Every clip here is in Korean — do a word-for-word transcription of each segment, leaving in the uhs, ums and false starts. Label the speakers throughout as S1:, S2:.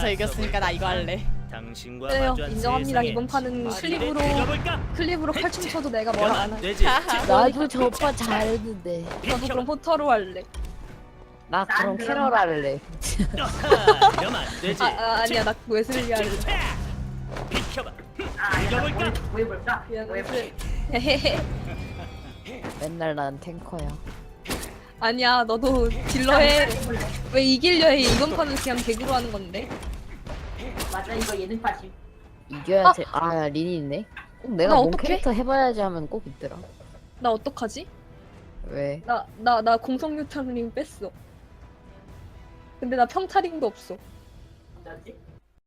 S1: 저 이겼으니까 나 이거 할래.
S2: 당신과
S3: 그래요.
S2: 마주한
S3: 인정합니다.
S2: 세상에
S3: 이번 판은
S2: 마지막에
S3: 클립으로
S2: 읽어볼까?
S3: 클립으로 칼춤 쳐도 내가 뭘 안 할.
S2: 되지.
S4: 나도 저 오빠 잘했는데.
S3: 저도 그럼 호터로 할래.
S4: 나 그럼 캐럴 할래.
S2: 이러면 안 되지.
S3: 아, 아 아니야 나 웨슬리 할래.
S2: 비켜봐. 읽어볼까?
S3: 미안 웨슬리. 헤헤헤.
S4: 맨날 난 탱커야.
S3: 아니야 너도 딜러 해. 왜 이길려 해? 이번 판은 그냥 개그로 하는 건데.
S5: 맞아 이거 예능 파심.
S4: 이겨야 돼. 아, 린이 있네. 꼭 내가
S3: 나
S4: 뭔
S3: 어떡해?
S4: 캐릭터 해봐야지 하면 꼭 있더라.
S3: 나 어떡하지?
S4: 왜?
S3: 나 나 나 공성유탄링 뺐어. 근데 나 평타링도 없어.
S5: 어쩌지?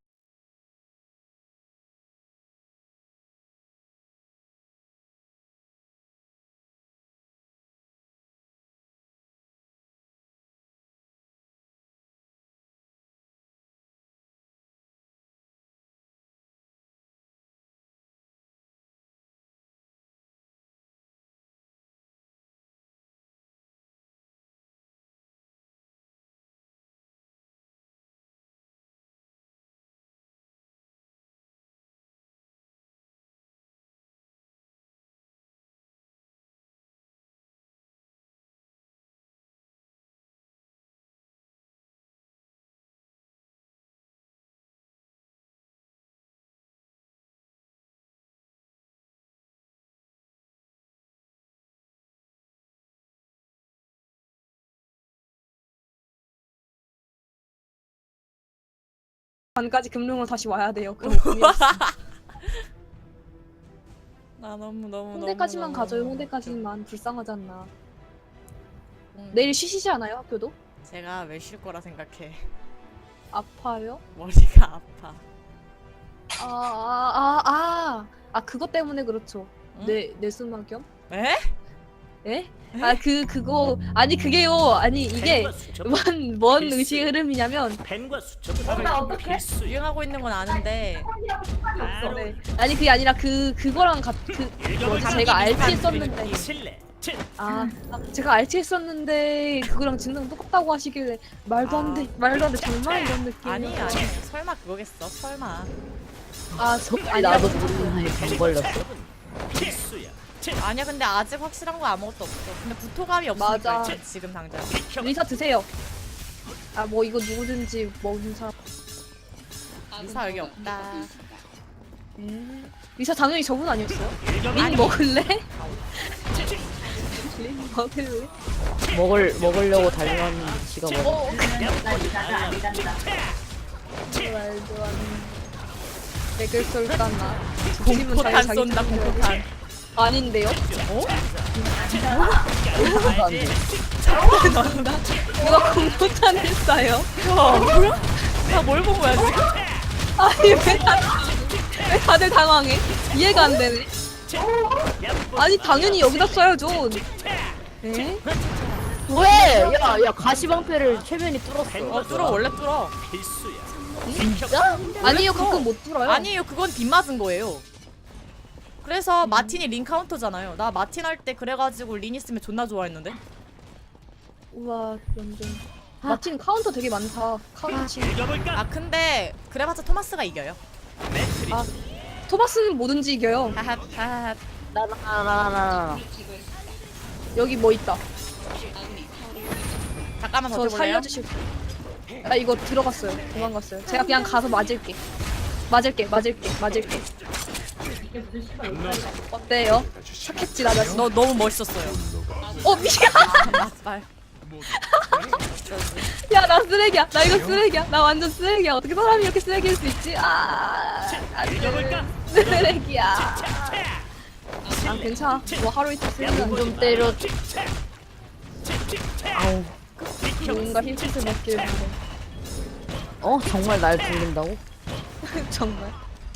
S3: 반까지 금융으로 다시 와야 돼요. 그럼 고민했어.
S1: 나 너무 너무
S3: 홍대까지만
S1: 너무,
S3: 가져요.
S1: 너무
S3: 홍대까지만 불쌍하잖아.
S1: 음,
S3: 내일 쉬시지 않아요 학교도?
S1: 제가 왜 쉴 거라 생각해.
S3: 아파요?
S1: 머리가 아파.
S3: 아, 아, 아, 아, 아, 그것 때문에 그렇죠.
S1: 응?
S3: 내, 내수막염?
S1: 에?
S3: 에? 아, 그, 그거, 아니, 그게요. 아니, 이게,
S2: 펜과 수첩.
S3: 뭔, 뭔 의식 흐름이냐면,
S2: 펜과 수첩.
S5: 어, 나 어떡해?
S2: 필수.
S1: 유행하고 있는 건 아는데
S2: 바로
S3: 네. 아니, 그게 아니라 그, 그거랑 같, 그, 뭐,
S2: 읽어볼까?
S3: 제가 알티
S2: 이
S3: 했었는데,
S2: 실내. 칠.
S3: 아, 아, 제가 알티 했었는데, 그거랑 증상 똑같다고 하시길래, 말도 안 돼, 말도 안 돼, 정말 이런 느낌.
S1: 아니 아니 설마 그거겠어 설마.
S3: 아, 저,
S4: 아니, 나도 모르는 사이에 병 걸렸어.
S2: 필수야. 칠.
S1: 아니야 근데 아직 확실한 거 아무것도 없어. 근데 구토감이 없으니까
S3: 맞아.
S1: 이제 지금 당장.
S2: 비켜봐.
S3: 리사 드세요. 아, 뭐, 이거 누구든지 먹은 사람.
S1: 리사 여기 없다.
S3: 음. 리사 당연히 저분 아니었어요?
S2: 읽어볼까?
S3: 린 먹을래? 린 먹을래?
S4: 먹을 먹으려고 달려왔는데 지가 먹어.
S3: 어,
S5: 나 리단다 리단다.
S3: 말도 안 돼. 맥을 쏠까 나.
S1: 공포탄 쏜다 공포탄.
S3: 아닌데요?
S1: 어?
S3: 누가 공포탄을 쏴요?
S1: 뭐야? 나뭘 본 거야 지금?
S3: 아니 왜 다들, 왜 다들 당황해? 이해가 안 되네. 아니 당연히 여기다 쏴야죠. 에?
S4: 왜? 야, 야, 가시방패를 최면이 뚫었어.
S1: 어 뚫어 원래 뚫어.
S2: 필수야.
S4: 진짜?
S3: 아니요 가끔 못 들어요.
S1: 아니에요 그건 빗 맞은 거예요. 그래서 마틴이 린 카운터잖아요. 나 마틴 할 때 그래가지고 린 있으면 존나 좋아했는데.
S3: 우와 완전. 마틴 카운터 되게 많다. 카운치.
S2: 읽어볼까?
S1: 아 근데 그래봤자 토마스가 이겨요.
S2: 매트리.
S3: 아 토마스는 뭐든지 이겨요.
S1: 하하 하하.
S4: 나나나나나.
S3: 여기 뭐 있다.
S1: 잠깐만
S3: 저
S1: 버텨볼래요?
S3: 살려주실. 나 이거 들어갔어요. 도망갔어요. 제가 그냥 가서 맞을게. 맞을게, 맞을게, 맞을게.
S5: 이게 무슨 씨발 여기까지 가.
S3: 어때요? 착했지 나 자신.
S1: 너 너무 멋있었어요.
S3: 어 미안.
S1: 맞아요.
S3: 야 나 쓰레기야. 나 이거 쓰레기야. 나 완전 쓰레기야. 어떻게 사람이 이렇게 쓰레기일 수 있지? 아,
S2: 읽어볼까?
S3: 쓰레기야. 아 괜찮아. 뭐 하루 이틀 쓰레기는 좀
S4: 때려. 아우.
S3: 뭔가 힐끗을 먹길 바래.
S4: 어? 정말 날 죽는다고?
S3: 정말.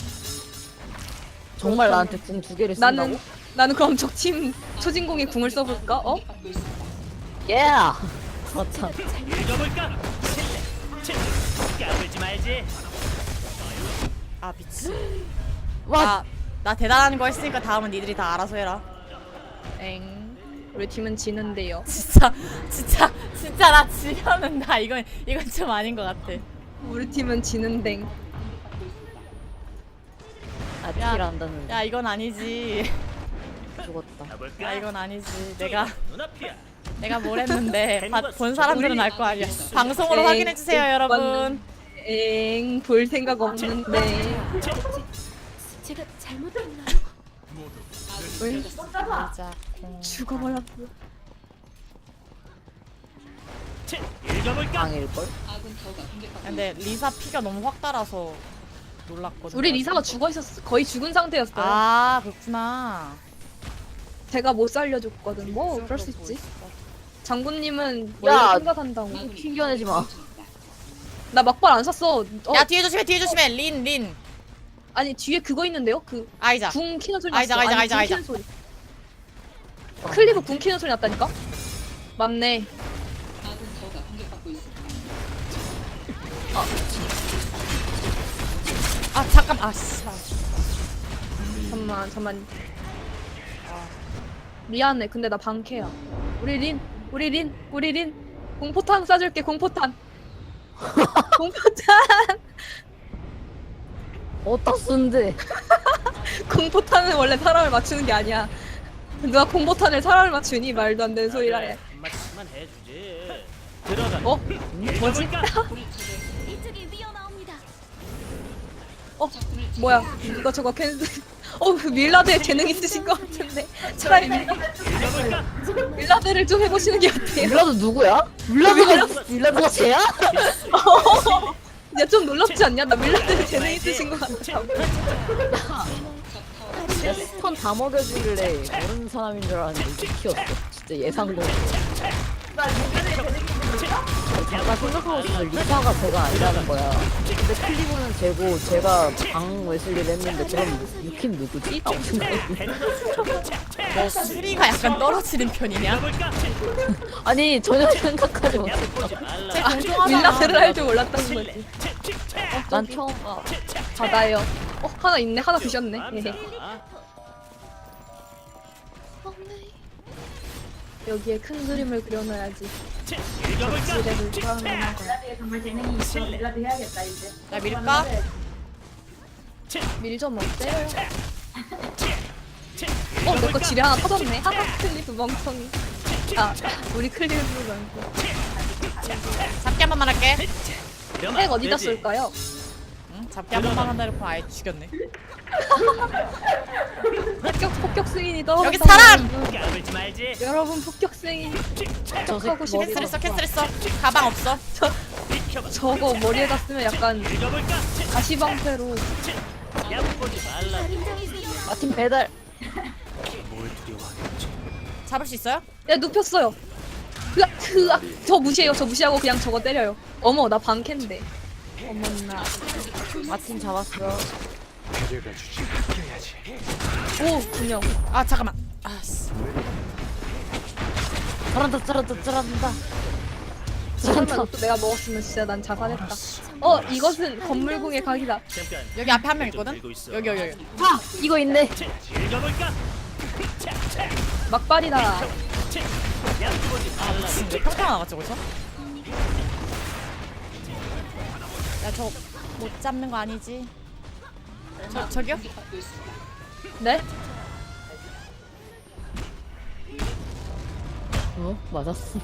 S4: 정말 나한테 궁 두 개를 쓴다고?
S3: 나는 나는 그럼 적팀 초진공에 궁을 써볼까? 어?
S4: 예! 거참.
S2: 읽어볼까? 실내. 칠. 까불지 말지.
S1: 아 미치.
S4: 와,
S1: 나, 나 대단한 거 했으니까 다음은 니들이 다 알아서 해라.
S3: 엥. 우리 팀은 지는데요.
S1: 진짜 진짜 진짜 나 지면은 나 이건 이건 좀 아닌 것 같아.
S3: 우리 팀은 지는 댕.
S4: 아, 딜 한다는
S1: 야 이건 아니지.
S4: 죽었다.
S2: 가볼까?
S1: 야 이건 아니지. 내가
S2: 눈앞이야.
S1: 내가 뭘 했는데 봐- 본 사람들은 알 거 아니야. 방송으로
S3: 에이,
S1: 확인해 주세요 여러분.
S3: 엥, 볼 생각 없는데.
S6: 제가 잘못했나요?
S3: 왜
S1: 맞아.
S3: 죽어버렸어.
S2: 읽어볼까?
S4: 방일걸?
S1: 근데 리사 피가 너무 확 달아서 놀랐거든.
S3: 우리 리사가 죽어 있었어. 거의 죽은 상태였어요.
S1: 아 그렇구나.
S3: 제가 못 살려줬거든. 뭐 그럴 수 있지. 장군님은
S4: 야.
S3: 원래 생각한다고.
S4: 튕겨내지 마.
S3: 나 막발 안 샀어. 어,
S1: 야 뒤에 조심해 뒤에 조심해. 린 린.
S3: 아니 뒤에 그거 있는데요? 그
S1: 아이자.
S3: 궁 키는 소리
S1: 아이자,
S3: 났어.
S1: 아이자,
S3: 아니,
S1: 아이자,
S3: 궁
S1: 아이자.
S3: 키는 소리. 클리브 궁 키는 소리 났다니까? 맞네.
S1: 아 잠깐 아씨.
S3: 잠만 잠만. 미안해. 근데 나 방캐야. 우리 린, 우리 린, 우리 린. 공포탄 쏴줄게. 공포탄. 공포탄.
S4: 어디다 쓴데?
S3: 공포탄은 원래 사람을 맞추는 게 아니야. 누가 공포탄을 사람을 맞추니 말도 안 되는 소리라 해.
S2: 한마디만 해주지. 들어가.
S3: 어? 뭐지?
S2: 읽어볼까?
S6: 이쪽이 위험합니다.
S3: 어? 뭐야? 이거 저거 캔슬. 어, 그 밀라드에 재능 있으신 것 같은데. 차라리 밀-
S2: 읽어볼까?
S3: 밀라드를 좀 해보시는 게 어때요?
S4: 밀라드 누구야? 밀라드가 밀라드가 쟤야?
S3: 야, 좀 놀랍지 않냐? 나 밀라드에 재능 있으신 것 같아.
S4: 야, 스턴 다 먹여주길래 모르는 사람인 줄 알았는데 이제 키웠어. 진짜 예상도. 잠깐 생각하고 있어. 리사가 제가 아니라는 거야. 근데 클리브는 쟤고 제가 방 웨슬리를 했는데 그럼 유킨 누구지? 라고 생각했는데.
S1: 너 수리가 약간 떨어지는 편이냐?
S2: 읽어볼까?
S4: 아니 전혀 생각하지 못했어.
S2: 보지 말라.
S1: 쟤 공정하잖아.
S3: 밀라드를 할 줄 몰랐다는 거지.
S4: 난 처음 봐.
S3: 바다요. 어, 하나 있네. 하나 드셨네. 헤헤. 여기에 큰 그림을 그려놔야지.
S2: 읽어볼까?
S3: 지뢰를 쌓아놓는 거야.
S5: 밀라드에 정말 재능이 있어. 밀라드 해야겠다 이제.
S1: 나 밀까?
S3: 밀좀 어때요? 어, 내 거 지뢰 하나 터졌네. 하하, 클리프 멍청이. 아, 우리 클리프가 아니고.
S1: 잡기 한 번만 할게.
S3: 핵 어디다 쏠까요?
S1: 응? 잡기 한 번만 한다 이러고 아예 죽였네.
S3: 폭격, 폭격 승인이 떨어졌다.
S1: 여기 사람!
S2: 까불지 말지.
S3: 여러분, 폭격 승인. 폭격하고 싶어.
S1: 캔슬했어 캔슬했어. 가방 없어.
S2: 비켜봐.
S3: 저거 머리에다 쓰면 약간
S2: 읽어볼까?
S3: 가시방패로.
S2: 얕보지 말라.
S4: 마틴 배달.
S1: 잡을 수 있어요?
S3: 야, 눕혔어요. 으악, 으악. 저 무시해요. 저 무시하고 그냥 저거 때려요. 어머, 나 방캔데. 어머나.
S4: 마틴 잡았어.
S3: 오, 분명.
S1: 아 잠깐만. 아씨.
S4: 잘한다 잘한다 잘한다.
S3: 설마 이것도 내가 먹었으면 진짜 난 자살했다. 어, 이것은 건물궁의 각이다.
S2: 잠깐.
S1: 여기 앞에 한 명
S2: 좀
S1: 있거든.
S2: 들고 있어.
S1: 여기 여기 여기.
S4: 아 이거 있네.
S2: 읽어볼까?
S3: 막발이다.
S2: 얕보지 말라.
S1: 왜 평타가 나갔지 거기서? 야 저 못 잡는 거 아니지? 저 저기요?
S3: 네?
S4: 어 맞았어.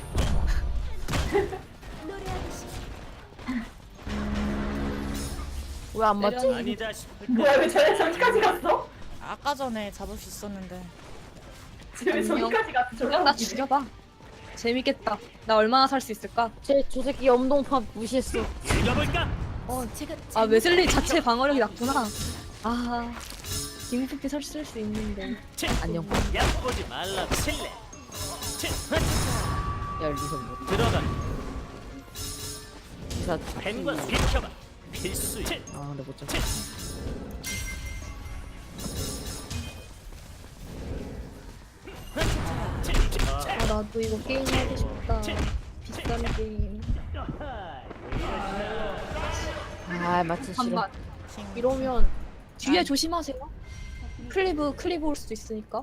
S4: 왜 안 맞지?
S2: 아니다 싶을
S5: 뭐야
S2: 때
S5: 왜 저래 저기까지 갔어?
S1: 아까 전에 잡을 수 있었는데.
S5: 왜 저기까지 갔어?
S3: 그냥 나 죽여봐. 재밌겠다. 나 얼마나 살 수 있을까?
S4: 쟤저 새끼 염동파 무시했어.
S2: 읽어볼까?
S6: 어, 제가
S3: 아, 웨슬리 자체 방어력이 낮구나. 아, 김프피 설쓸 수 있는데.
S4: 안녕.
S2: 얕보지 말라. 칠레.
S4: 야 리서 뭐?
S2: 들어가.
S4: 리사
S2: 펜과 비켜봐. 필수야.
S4: 아 근데 못 잡.
S3: 아, 나도 이거 게임 하고 싶다. 비싼 게임.
S4: 아 마틴 싫어.
S3: 반반.
S4: 이러면
S3: 뒤에 조심하세요. 클리브, 클리브 올 수도 있으니까.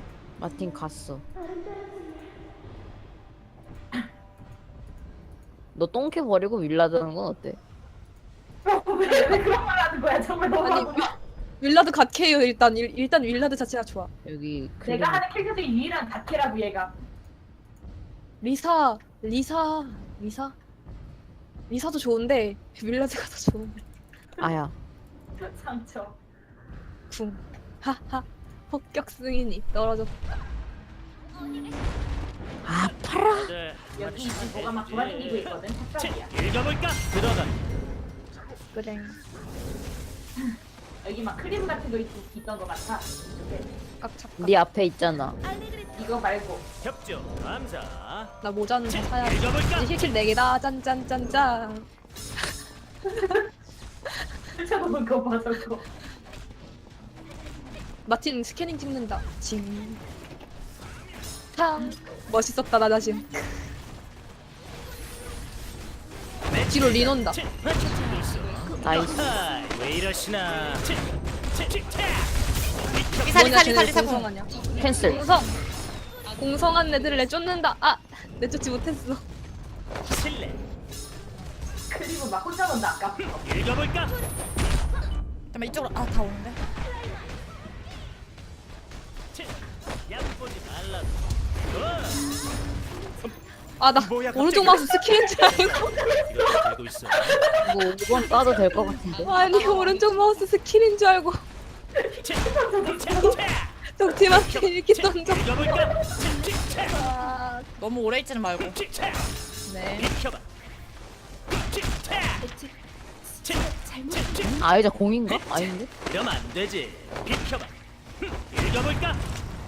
S4: 마틴 갔어. 너 똥캐 버리고 윌라드는 건 어때?
S5: 왜, 왜 그런 말 하는 거야? 정말 너무
S3: 아니 윌라드 갓케요. 일단 일, 일단 윌라드 자체가 좋아.
S4: 여기
S5: 내가 하는 캐릭터 중에 유일한 다케라고 얘가.
S3: 리사 리사 리사 리사도 좋은데 윌라드가 더 좋은데.
S4: 아야.
S5: 상처.
S3: 궁 하하 폭격 승인이 떨어졌다.
S4: 아파라.
S2: 네,
S5: 여기 지금 뭐가 막 돌아다니고 있거든. 탑살이야.
S2: 읽어볼까? 들어가.
S3: 그래.
S5: 여기 막 크림 같은 거 있, 있던 거 같아. 이쪽에.
S3: 깍착각.
S4: 네 앞에 있잖아.
S5: 이거 말고.
S2: 협조 감사.
S3: 나 모자는 다 사야 돼.
S2: 읽어볼까?
S3: 이제 힐킬 네 개다. 짠짠짠짠.
S5: 펼쳐놓은 거 봐, 저거.
S3: 마틴 스캐닝 찍는다. 징. 탕. 멋있었다 나 자신. 뒤로 린 온다.
S4: 나이스.
S2: 아하, 왜 이러시나?
S1: 리사 리사
S3: 뭐냐,
S1: 리사
S3: 쟤네
S1: 리사 공.
S3: 공성하냐?
S4: 캔슬.
S3: 공성. 공성한 애들을 내쫓는다. 아 내쫓지 못했어.
S2: 실례.
S5: 크림은 막 혼자 논다, 아까.
S2: 읽어볼까?
S1: 잠깐만 이쪽으로 아 다 오는데.
S2: 얕보지 말라고.
S3: 아 나
S2: 뭐야, 갑자기?
S3: 오른쪽 마우스 스킬인 줄 알고.
S2: 이렇게 들고 있어.
S4: 이거 오 번 까도 될 것 같은데.
S3: 아니 오른쪽 마우스 스킬인 줄 알고. 적팀한테 이렇게 던져.
S2: 읽어볼까?
S3: 아,
S1: 너무 오래 있지는 말고.
S3: 네.
S2: 비켜봐.
S6: 제가 잘못했나?
S4: 아, 이제 공인가? 아닌데?
S2: 이러면 안 되지. 비켜봐. 읽어볼까?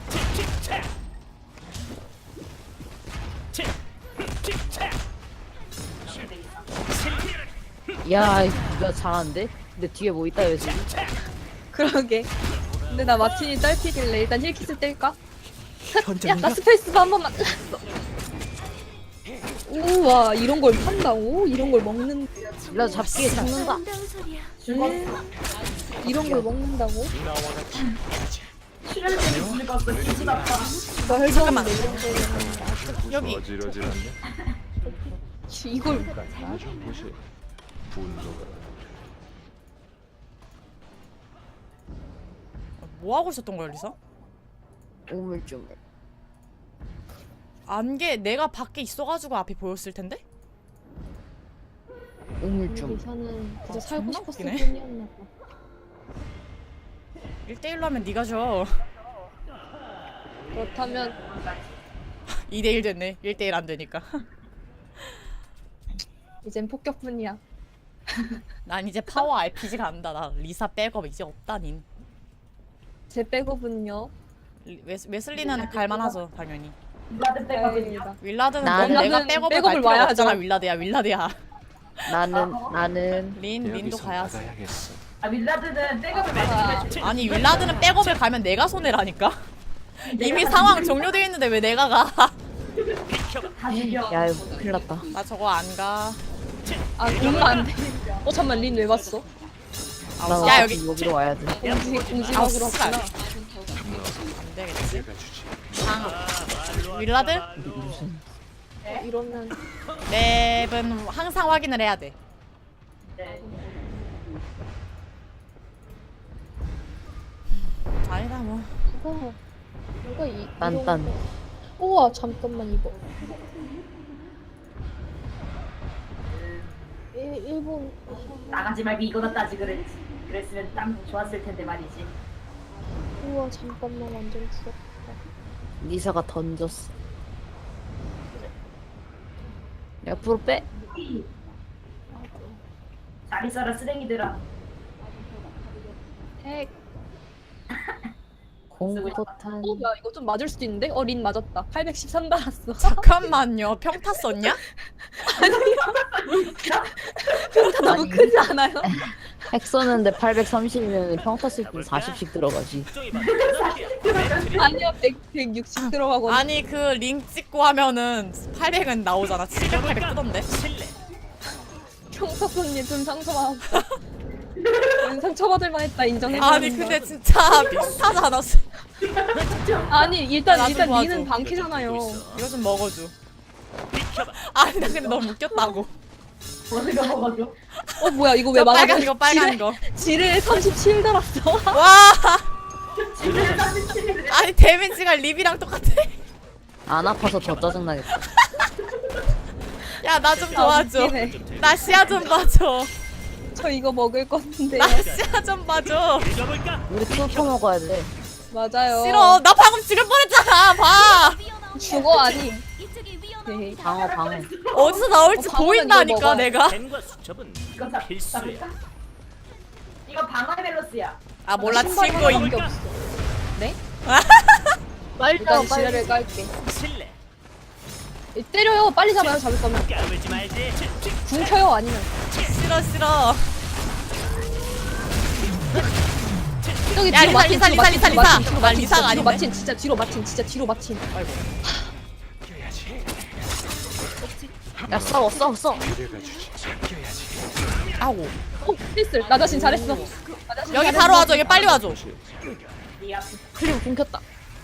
S4: 야, 이거 잘하는데? 근데 뒤에 뭐 있다, 여기.
S3: 그러게. 근데 나 마틴이 딸피길래 일단 힐킷을 뗄까? 야, 나 스페이스바 한 번만. 우와, 이런 걸 판다고? 이런 걸 먹는,
S4: 윌라드 잡기에 죽는다.
S6: 아름다운 소리야.
S3: 이런 걸 먹는다고?
S5: 출혈되는 즐거웠어. 기분 아파.
S3: 말도 안 돼.
S1: 여기
S7: 어지러지는데
S3: 이걸
S7: 나좀 보시 분노가
S1: 뭐 하고 있었던 거야 리사?
S4: 우물쭈물.
S1: 안개 내가 밖에 있어가지고 앞에 보였을 텐데?
S4: 우물쭈물.
S3: 리사는 그저
S1: 아,
S3: 살고
S1: 존나
S3: 싶었을
S1: 웃기네.
S3: 뿐이었나 봐.
S1: 일 대일로 하면 네가 져.
S3: 그렇다면
S1: 이 대일 됐네. 일 대일 안 되니까.
S3: 이젠 폭격뿐이야.
S1: 난 이제 파워 알피지 간다. 나 리사 백업 이제 없다닌.
S3: 제 백업은요?
S1: 리- 웨스, 웨슬리는 갈만하죠 당연히.
S5: 나도 백업이야.
S3: 다행이다.
S1: 윌라드는
S4: 나는-
S1: 넌 내가
S3: 윌라드는
S1: 백업을,
S3: 백업을
S1: 갈 필요가
S3: 와야죠.
S1: 없잖아. 윌라드야 윌라드야.
S4: 나는, 나는.
S1: 린 린도
S7: 여기서
S1: 가야지.
S7: 나가야겠어.
S5: 아, 윌라드는 백업을
S3: 아,
S5: 많이 주면
S1: 아니 윌라드는 백업을 가면 내가 손해라니까. 이미 상황 종료되어 있는데 왜 내가 가?
S5: 다 죽여.
S4: 야, 이거 큰일 났다.
S1: 나 저거 안 가.
S3: 아, 오면 안 돼. 어, 잠만, 린 왜 봤어?
S4: 나
S1: 야
S4: 어차피
S1: 여기
S4: 여기로 와야 돼.
S3: 공지,
S1: 아우,
S3: 공지막으로
S1: 씨발.
S3: 왔구나.
S1: 안 되겠지.
S7: 내가 주지.
S1: 상 윌라드
S3: 어, 이러면.
S1: 맵은 항상 확인을 해야 돼.
S5: 네.
S1: 아니다 뭐.
S3: 이거, 이거, 이.
S4: 딴딴.
S3: 이런 거. 우와, 잠깐만, 이거. 일, 일본.
S5: 나가지 말고 이거나 따지 그랬지. 그랬으면 땀 좋았을 텐데 말이지.
S3: 우와, 잠깐만, 완전 추웠다.
S4: 리사가 던졌어. 옆으로 빼.
S5: 잘 있어라 쓰레기들아.
S3: 핵.
S4: 공포탄.
S3: 어, 야, 이거 좀 맞을 수도 있는데? 어, 린 맞았다. 팔백십삼 달았어.
S1: 잠깐만요. 평타 썼냐?
S3: 평타 너무
S4: 아니.
S3: 크지 않아요?
S4: 핵 쏘는데 팔백삼십이면 평타 쓸 때 사십씩 들어가지.
S2: 쪽이 봐. 이렇게.
S3: 아니야, 백, 백육십 들어가고.
S1: 아니 그 링 찍고 하면은 팔백은 나오잖아. 칠백, 팔백 뜨던데.
S2: 실례.
S3: 평타손님 좀 상처받았다. 난 상처받을 만했다, 인정해.
S1: 아니 근데 진짜 평타잖아.
S3: 아니, 일단,
S1: 나도
S3: 일단
S1: 도와줘.
S3: 리는 방키잖아요.
S1: 이거 좀 먹어줘.
S2: 비켜봐.
S1: 아니 나 근데 너무 웃겼다고.
S5: 어느 거 먹어줘.
S3: 어 뭐야 이거 왜
S1: 저
S3: 막아?
S1: 빨간 거 빨간 거.
S3: 지를 삼십칠 달았어.
S1: 와
S5: 지금 삼십칠일에
S1: 아니 데미지가 립이랑 똑같아.
S4: 안 아파서 더 짜증나겠다.
S1: 야 나 좀 도와줘.
S3: 웃기네.
S1: 나 시야 좀 봐줘.
S3: 저 이거 먹을 건데.
S1: 나 시야 좀 봐줘.
S2: 읽어볼까?
S4: 우리 투포 먹어야 돼.
S3: 맞아요.
S1: 싫어. 나 방금 죽을 뻔했잖아. 봐.
S3: 죽어 아니.
S6: 이쪽이
S3: 헤헤.
S6: 위험합니다.
S4: 방어 방어.
S1: 어디서 나올지
S3: 어, 방어는
S1: 보인다니까
S3: 이거 먹어야
S1: 내가.
S2: 뱀과 수첩은
S5: 이거 다
S2: 필수야.
S5: 잡을까? 이거 방어의 멜로스야.
S1: 아 몰라
S3: 신발
S1: 친구인.
S3: 하나밖에 없어. 네?
S4: 빨리
S3: 일단
S4: 빨리.
S3: 지뢰를 깔게.
S2: 실례.
S3: 이 때려요. 빨리 잡아요. 잡을 거면.
S2: 까불지 말지.
S3: 궁 켜요 아니면.
S1: 싫어 싫어.
S3: 저기
S1: 야,
S3: 뒤로
S1: 리사,
S3: 마틴,
S1: 리사,
S3: 뒤로
S1: 리사,
S3: 마틴,
S1: 리사,
S3: 뒤로
S1: 리사.
S3: 마틴, 뒤로
S1: 아,
S3: 마틴,
S1: 리사가
S3: 뒤로
S1: 아니네.
S3: 마틴, 진짜 뒤로 마틴, 진짜 뒤로 마틴.
S1: 아이고.
S4: 야 싸워 싸워 싸워.
S1: 아고.
S3: 어, 필슬. 나 자신 잘했어. 나 자신
S1: 여기
S3: 잘했어.
S1: 바로 와줘. 여기 빨리 와줘.
S5: 네 앞에
S4: 클리브 끊겼다.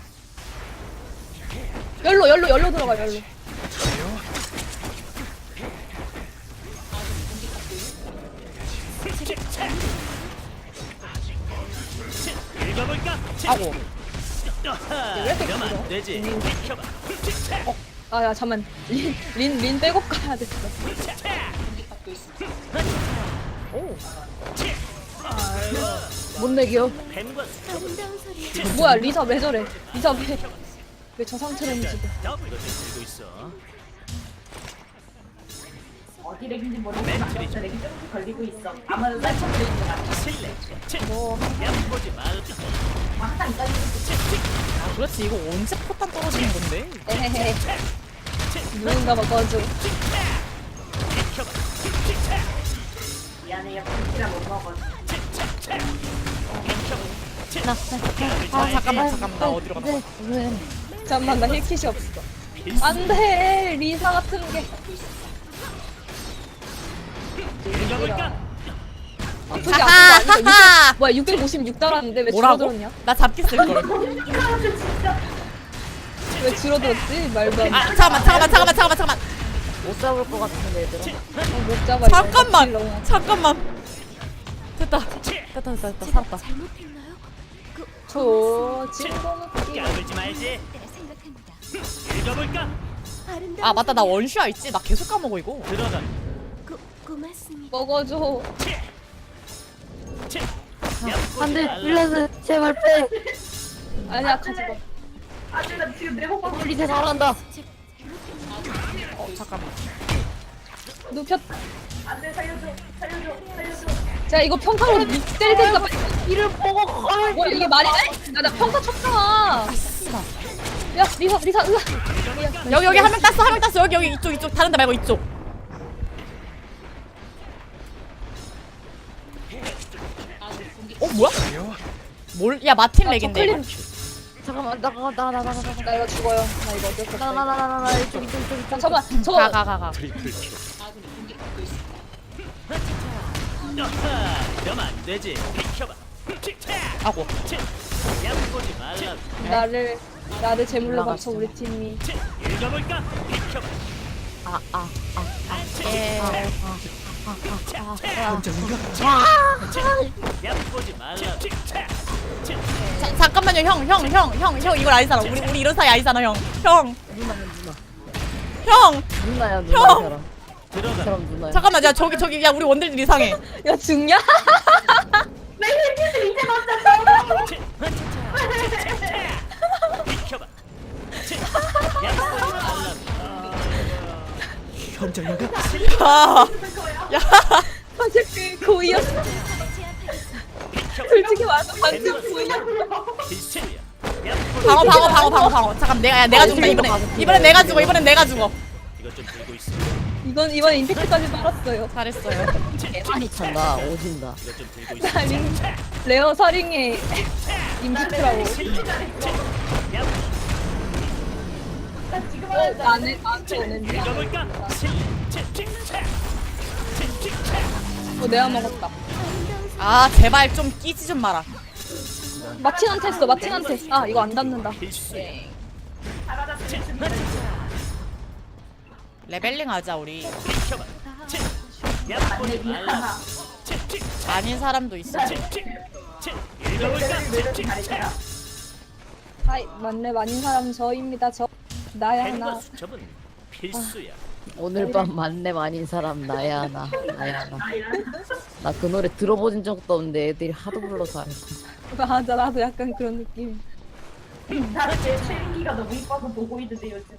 S3: 열로, 열로, 열로 들어가, 열로.
S2: 읽어볼까?
S1: 아고.
S2: 그러면 안 되지. 비켜봐.
S3: 아, 야, 잠만. 린, 린, 린 백업 가야 됐어.
S4: 못 내겨.
S2: 뱀과 수첩.
S6: 아름다운 소리.
S3: 뭐야, 리사 왜 저래? 리사 왜, 왜 저 상태로 움직여?
S2: 더블 이것 좀 들고 있어.
S5: 어디 렉인지 모르겠지만 아까부터 렉이 조금씩 걸리고 있어. 아무래도 쌀품 들린 것 같아.
S2: 실례.
S3: 뭐,
S2: 얕보지 말.
S5: 항상 이까지
S1: 아 그렇지. 이거 언제 포탄 떨어지는 건데?
S3: 에헤헤. 누군가 바꿔줘.
S2: 비켜봐.
S5: 미안해요. 김치라 못 먹어.
S1: 아 잠깐만 잠깐만 나 어디로 가나?
S4: 왜?
S3: 잠만, 나 힐킷이 없어. 안 돼! 리사 같은 게.
S2: 읽어볼까?
S3: 아프지, 아픈 거 아니야?
S1: 하하!
S3: 육백, 뭐야, 육백오십육 달았는데 왜
S1: 뭐라고?
S3: 줄어들었냐?
S1: 나 잡기 쓸 걸.
S5: 이카한테 진짜
S3: 왜 줄어들었지? 말도 안 돼.
S1: 아 잠깐만 잠깐만 잠깐만 잠깐만 잠깐만.
S4: 못 잡을 것 같은데 얘들아.
S3: 어, 못 잡아. 이거.
S1: 잠깐만
S3: 너무-
S1: 잠깐만. 됐다 됐다 됐다 됐다 살았다.
S6: 잘못했나요? 그,
S3: 저 진거는
S2: 까불지 말지.
S6: 네, 생각합니다.
S2: 읽어볼까?
S6: 아름다운
S1: 아 맞다 나 원슈아 있지. 나 계속 까먹어 이거.
S2: 들어가.
S6: 고, 고맙습니다.
S3: 먹어줘.
S4: 안돼 윌레스 제발 빼.
S3: 아니야 가져가.
S5: 아주 나 지금 내 호흡
S4: 우리 대 잘한다.
S1: 어 잠깐만.
S3: 눕혔.
S5: 안돼 살려줘 살려줘 살려줘.
S3: 자 이거 평타로 미 때릴 테니까 빨리.
S4: 이를 보고.
S3: 뭐야 이게 말이 돼? 나나 평타 쳤잖아. 야 리사 리사 으아.
S1: 여기 여기 한 명 땄어 한 명 땄어. 여기 여기 이쪽 이쪽 다른 데 말고 이쪽. 어 뭐야? 뭘? 야 마틴 렉인데. 이거.
S4: 잠깐만 나가 나가 나가 나가 나가.
S3: 나 이거 죽어요. 나 이거 어쩔 수 없어.
S4: 나나나나나 이쪽 이쪽 이쪽 이쪽.
S3: 잠깐만
S1: 가
S3: 저거
S1: 가 가 가.
S2: 그러면 안 되지. 비켜봐.
S1: 아고.
S2: 얕보지 말라.
S3: 나를 나를 제물로 바쳐 우리 팀이.
S2: 읽어볼까? 비켜봐.
S4: 아아아
S1: 예.
S2: 얕보지 말라.
S1: 자, 잠깐만요 형 형 형 형 형 이걸 아니잖아. 우리 우리 이런 사이 아니잖아 형. 형.
S4: 누나야 누나.
S1: 형.
S4: 누나야 누나
S1: 형!
S4: 사람.
S2: 들어가.
S4: 사람 누나야.
S1: 잠깐만 야 저기 저기 야 우리 원딜들 이상해.
S3: 야 죽냐?
S5: 내 힐킷을 이제 맞췄어.
S2: 비켜봐. 얕보지 말라. 현장인가?
S1: 야. 야.
S3: 사실 그 고의였어. 솔직히 말해서 완전 고의였어.
S2: 필수야. 얕보지.
S1: 방어 방어 방어 방어 방어. 잠깐 내가 야 내가 죽는다 이번에. 이번엔 내가 죽어 이번엔 내가 죽어.
S2: 이것 좀 들고 있어.
S3: 이건 이번 임팩트까지 빨았어요.
S1: 잘했어요.
S4: 많이 찬다 오진다.
S2: 이것 좀 들고 있어.
S3: 나 링, 레어 사링의 임팩트라고.
S5: 나 지금
S3: 어,
S5: 하는
S3: 나는 나한테 오는데.
S2: 읽어볼까?
S3: 어 내가 먹었다.
S1: 아 제발 좀 끼지 좀 마라.
S3: 마틴한테 했어. 마틴한테. 아 이거 안 닿는다.
S2: 필수야.
S5: 나가다
S1: 레벨링 하자 우리.
S2: 비켜봐. 치.
S5: 안내
S2: 약보지
S5: 니
S2: 말라.
S5: 하나.
S2: 치, 치,
S1: 아닌 사람도 있어.
S2: 치, 치, 치. 읽어볼까?
S5: 내려서
S2: 치, 치,
S5: 잘했어요.
S3: 하이 만렙 아닌 사람 저입니다. 저 나야
S2: 펜과
S3: 나.
S2: 수첩은 필수야.
S4: 오늘 밤 만렙 아닌 사람 나야 나 나야 나.
S5: 아이라.
S4: 나 그 노래 들어본 적도 없는데 애들이 하도 불러서 알고.
S3: 맞아 나도 약간 그런 느낌.
S5: 나는 제 체인기가 너무 이뻐서 보고 있는데 요즘.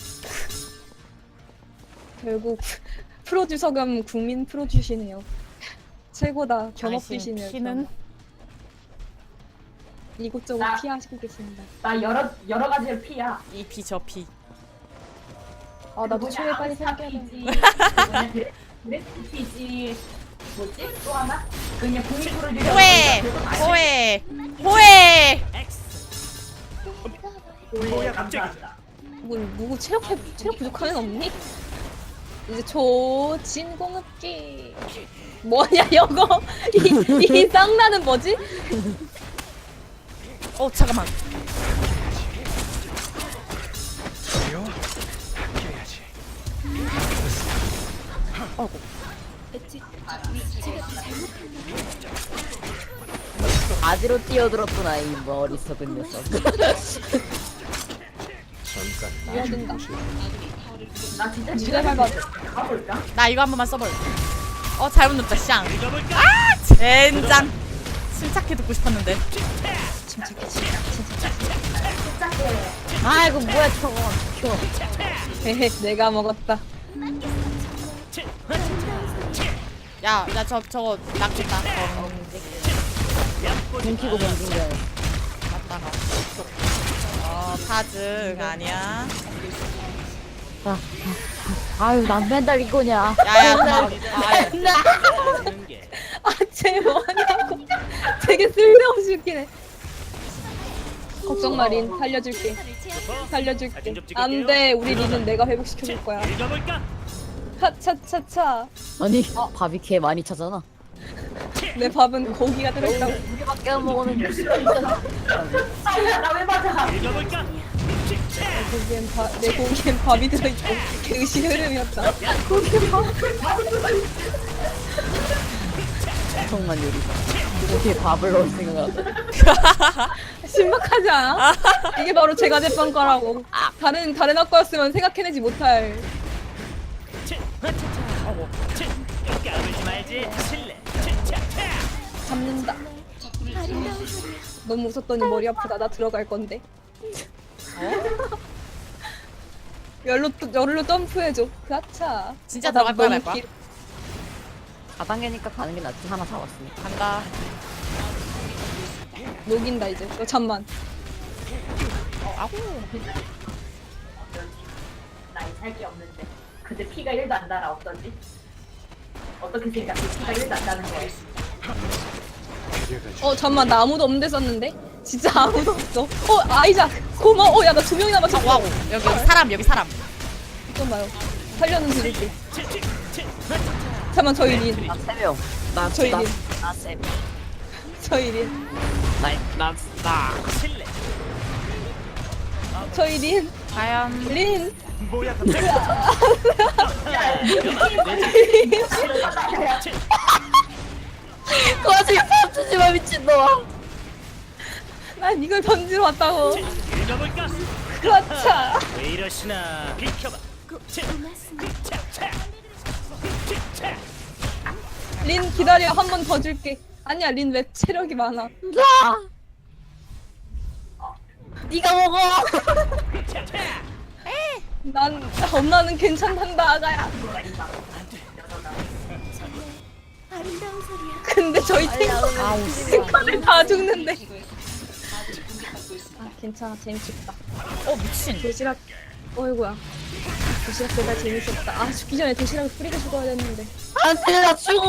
S3: 결국 프로듀서 겸 국민 프로듀시네요. 최고다 겸업디시네요.
S1: 당신 피는
S3: 이곳저곳
S5: 나-
S3: 피하시고 계십니다.
S5: 나 여러 여러 가지를 피야.
S1: 이 피 저 피.
S3: 아 나도 최애 빨리 생겨야 돼.
S5: 피지. 그레스 피지. 뭐지? 또 하나? 그냥 국민 프로듀서.
S1: 호해 호해 호해.
S2: X.
S5: 뭐야
S2: 갑자기.
S5: 감사합니다.
S3: 누구 누구 체력 회, 체력 부족한 애 없니? 이제 조진 공급기 뭐냐 이거 이, 이 쌍나는 뭐지?
S1: 어 잠깐만.
S4: 바지로 뛰어들었구나 이 머리석은 녀석.
S7: 잠깐
S3: 이어야 된다.
S5: 나 진짜
S3: 지뢰 밟아.
S5: 가볼까?
S1: 나 이거 한 번만 써볼. 어 잘못 넣었다 쌍.
S2: 읽어볼까?
S1: 젠장. 침착해 듣고 싶었는데.
S3: 침착해 침착해.
S4: 아이고 뭐야 저거. 켜.
S3: 헤헤 내가 먹었다.
S2: 치.
S1: 야, 야, 저, 저거, 낚겠다. 어,
S2: 약보지
S4: 눈키고
S2: 말라.
S4: 던진 거야.
S1: 갔다가. 어, 파즈, 아니야.
S4: 아, 아, 아유 난 맨날 이거냐.
S1: 야, 야, 나, 아,
S2: 하는 게
S3: 아쟤 뭐하냐고. 되게 쓸데없이 웃기네. 걱정 마린 살려줄게. 살려줄게. 안돼 우리 리는 내가 회복시켜줄 거야.
S2: 읽어볼까?
S3: 차차차차.
S4: 아니 밥이 개 많이 차잖아.
S3: 내 밥은 고기가 들어있다고.
S4: 우리밖에 안 먹었는데.
S5: 나왜 맞아?
S2: 읽어볼까? 치, 치.
S3: 고기엔 바, 내 고기엔 밥이 들어있고 그 의식 흐름이었다.
S4: 정말 요리사. 이렇게 밥을 넣을 생각하다.
S3: 신박하지 않아? 이게 바로 제가 제빵 거라고. 다른 다른 학과였으면 생각해내지 못할.
S2: 치. 차차. 어고. 치. 까불지 말지. 실례. 치, 차, 차.
S3: 잡는다.
S6: 아름다운 소리야.
S3: 너무 웃었더니 머리 아프다. 나 들어갈 건데. 열로 열로 점프해줘. 그렇차.
S1: 진짜
S3: 아, 나
S1: 들어갈 거야,
S3: 너무
S1: 말 거야?
S3: 길-
S4: 사 단계니까 가는 게 낫지. 하나 사왔으니까.
S1: 간다.
S3: 녹인다 이제. 너 잠만.
S1: 아고.
S5: 나이 살게 없는데. 근데 피가 일도 안 달아. 어떠지? 어떻게 생각해? 피가 일도 안 다는 거야.
S3: 어 잠만 나 아무도 없는데 썼는데. 진짜 아무도 없어. 어 아이작 고마워. 어 야 나 두 명이나 맞췄어.
S1: 아고, 아고. 여기, 여기 사람, 여기 사람.
S3: 잠깐만요. 살려는 드릴게.
S2: 치, 치, 치.
S3: 잠만 저희 린.
S4: 나 세 명. 나
S3: 저희
S4: 나,
S3: 린.
S4: 나 세 명.
S3: 저희 린.
S4: 나나 나.
S2: 실례.
S3: 저희 린.
S1: 과연.
S3: 린.
S2: 뭐야 갑자기?
S4: 그 와중에 밥 주지 마 미친놈아.
S3: 난 이걸 던지러 왔다고.
S2: 읽어볼까?
S3: 그렇차.
S2: 왜 이러시나? 비켜봐. 치,
S6: 고맙습니다.
S2: 차, 차. 치, 차.
S3: 린 기다려 한 번 더 줄게. 아니야 린 왜 체력이 많아.
S4: 나. 네가 먹어.
S2: 차, 차.
S3: 난 엄마는 괜찮단다 아가야.
S6: 아름다운 소리야.
S3: 근데 저희 탱커들 다 죽는데. 아 괜찮아 재밌겠다.
S1: 어, 미친.
S3: 도시락. 어이구야. 도시락 배달 재밌었다. 아 죽기 전에 도시락을 뿌리고 죽어야 됐는데.
S4: 안돼 나 죽어.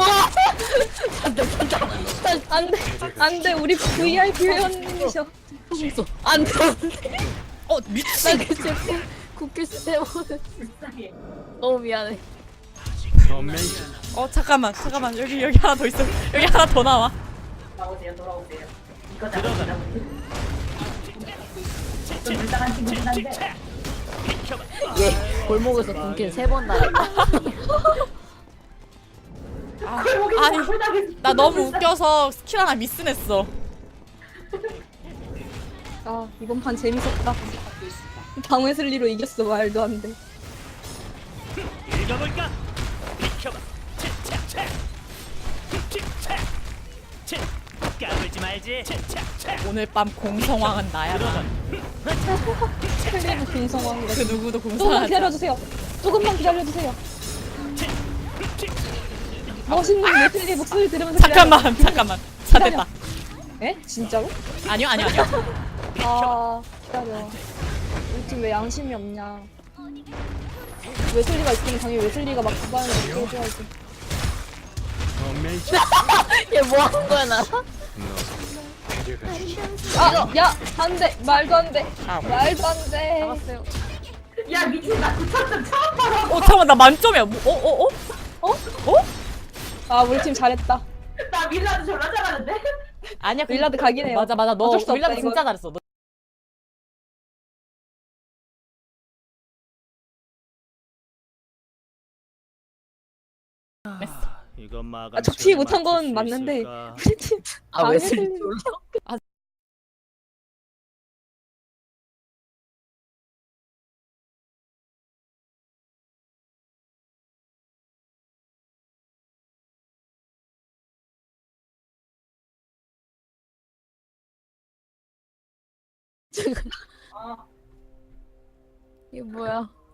S3: 안돼 안돼 우리 브이아이피 회원님이셔.
S4: 안돼.
S1: 어, 미친.
S4: 나 그때 쿠키스 때문에
S5: 불쌍해.
S4: 너무 미안해.
S1: 어, 잠깐만, 잠깐만. 여기, 여기 하나 더 있어. 여기 하나 더 나와.
S5: 돌아오세요, 돌아오세요. 이거 잡으시라고. 좀 불쌍한 친구긴 한데.
S2: 비켜봐.
S4: 얘 골목에서 군킨 세 번 당했다.
S1: 아,
S5: 골목에서
S1: 아니
S5: 잘못하겠어.
S1: 나 너무 웃겨서 스킬 하나 미스냈어.
S3: 아 이번 판 재밌었다. 방웨슬리로 이겼어. 말도 안 돼.
S2: 읽어볼까? 비켜봐. 차차차. 차. 차. 까불지 말지. 차차차.
S1: 오늘 밤 공성왕은 나야.
S3: 클리브 공성왕이다.
S1: 그 누구도
S3: 조금만
S1: 공성하지.
S3: 기다려주세요. 조금만 기다려주세요. 멋있는 웨슬리 목소리 들으면서
S1: 잠깐만 잠깐만. 자 됐다.
S3: 기다려. 에? 진짜로?
S1: 아니요 아니요 아니요.
S3: 아 기다려. 우리 팀 왜 양심이 없냐? 웨슬리가 있으면 당연히 웨슬리가 막 구바하는 거 해줘야지.
S4: 얘 뭐 하는 거야 나?
S3: 아, 야, 안 돼. 말도 안 돼. 말도 안 돼.
S4: 잡았어요.
S5: 야 미친 나 구천 점 처음 봐라.
S1: 어 잠깐만 나 만점이야. 뭐, 어 어 어? 어?
S3: 아, 우리 팀 잘했다.
S5: 나 밀라도 졸라 잘하는데.
S1: 아니야. 그-
S3: 윌라드 각이네요.
S1: 맞아 맞아. 너
S3: 어쩔 수 없다,
S1: 윌라드
S3: 이건.
S1: 진짜 잘했어. 너
S2: 이건 마감.
S3: 아, 적지 못한 건 맞는데 우리 팀
S4: 아 웨슬리
S3: 방해슬리-
S4: 졸라.
S5: 어.
S4: 이게 뭐야?